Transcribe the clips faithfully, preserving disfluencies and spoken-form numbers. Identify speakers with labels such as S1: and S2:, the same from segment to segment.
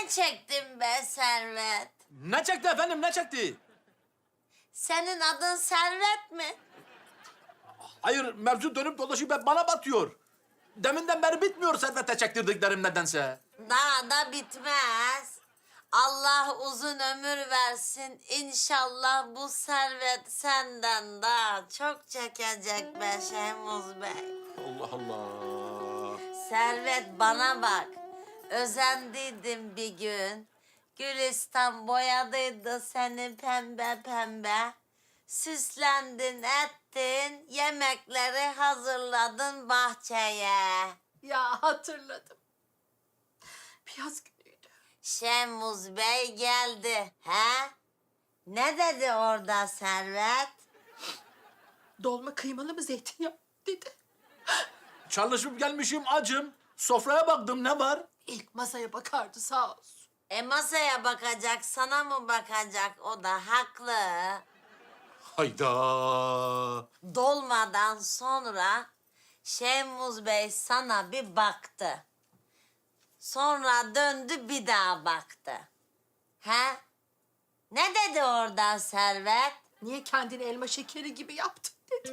S1: çektin be Servet?
S2: Ne çekti efendim, ne çekti?
S1: Senin adın Servet mi?
S2: Hayır, mevzu dönüp dolaşıp hep bana batıyor. Deminden beri bitmiyor Servet'e çektirdiklerim nedense.
S1: Daha da bitmez. Allah uzun ömür versin. İnşallah bu servet senden daha çok çekecek be Şehmuz Bey.
S2: Allah Allah.
S1: Servet bana bak. Özendiydim bir gün. Gülistan boyadıydı seni pembe pembe. Süslendin ettin, yemekleri hazırladın bahçeye.
S3: Ya hatırladım. Bir yaz günüydü.
S1: Şemuz Bey geldi. He? Ne dedi orada Servet?
S3: Dolma kıymalı mı zeytinyağı dedi.
S2: Çalışıp gelmişim acım. Sofraya baktım, ne var?
S3: İlk masaya bakardı sağ olsun.
S1: E masaya bakacak, sana mı bakacak? O da haklı.
S2: Hayda.
S1: Dolmadan sonra Şemuz Bey sana bir baktı. Sonra döndü bir daha baktı. He? Ne dedi orada Servet?
S3: Niye kendini elma şekeri gibi yaptın dedi.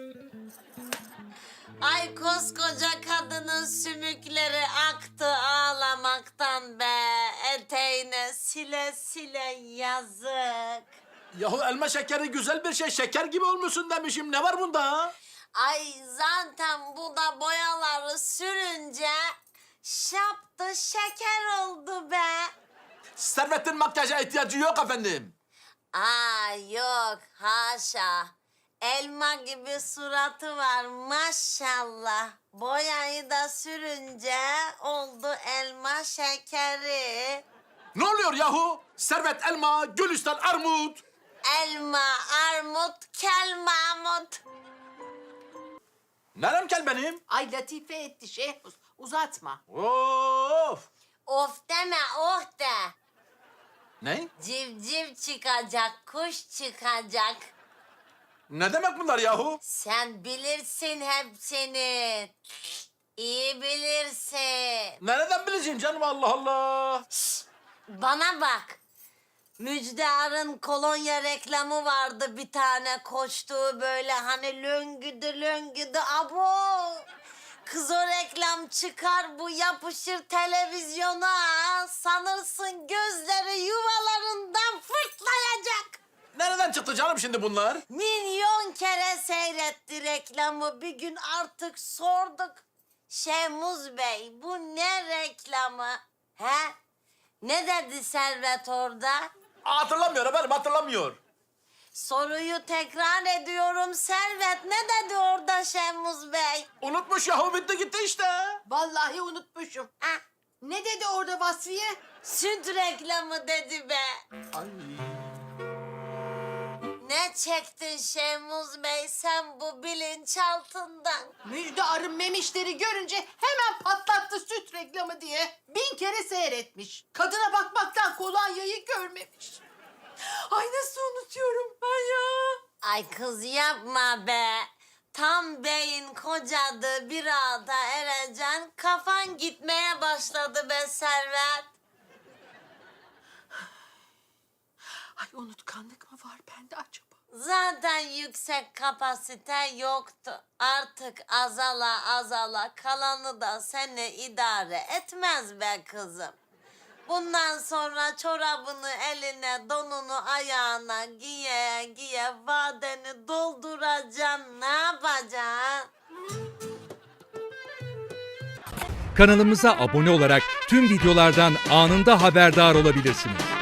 S1: Ay koskoca kadının sümükleri aktı ağlamaktan be. Eteğine sile sile yazık.
S2: Yahu elma şekeri güzel bir şey. Şeker gibi olmuşsun demişim. Ne var bunda?
S1: Ay zaten bu da boyaları sürünce şaptı şeker oldu be.
S2: Servet'in makyaja ihtiyacı yok efendim.
S1: Aa yok haşa. Elma gibi suratı var maşallah. Boyayı da sürünce oldu elma şekeri.
S2: Ne oluyor yahu? Servet elma, Gülistan armut.
S1: Elma, armut, kel Mahmut.
S2: Nerem kel benim?
S3: Ay latife etti Şehmuz. Uzatma.
S2: Of.
S1: Of deme oh de.
S2: Ne?
S1: Civciv çıkacak, kuş çıkacak.
S2: Ne demek bunlar yahu?
S1: Sen bilirsin hepsini. İyi bilirsin.
S2: Nereden bileceksin canım, Allah Allah.
S1: Bana bak. Müjdar'ın kolonya reklamı vardı bir tane koştuğu böyle hani löngüdü löngüdü abo. Kız o reklam çıkar bu yapışır televizyona sanırsın gözleri yuvalarından fırtlayacak.
S2: Nereden çıktı canım şimdi bunlar?
S1: Milyon kere seyretti reklamı bir gün artık sorduk. Şemuz Bey bu ne reklamı? He? Ne dedi Servet orada?
S2: Hatırlamıyor efendim, hatırlamıyor.
S1: Soruyu tekrar ediyorum Servet. Ne dedi orada Şemuz Bey?
S2: Unutmuş yahu, bitti gitti işte.
S3: Vallahi unutmuşum.
S1: Ha,
S3: Ne dedi orada Vasfiye?
S1: süt reklamı dedi be.
S2: Ay.
S1: Ne çektin Şemuz Bey sen bu bilinçaltından?
S3: Müjde arın memişleri görünce hemen patlattı süt reklamı diye. Bin kere seyretmiş. Kadına bakmaktan kolonyayı görmemiş. Ay nasıl unutuyorum ben ya.
S1: Ay kız yapma be. Tam beyin kocadı bir ağda ereceksin. Kafan gitmeye başladı be Servet.
S3: Ay unutkanlık mı var bende acaba?
S1: Zaten yüksek kapasite yoktu. Artık azala azala kalanı da seni idare etmez be kızım. Bundan sonra çorabını eline, donunu ayağına giye giye vadeni dolduracaksın. Ne yapacaksın?
S4: Kanalımıza abone olarak tüm videolardan anında haberdar olabilirsiniz.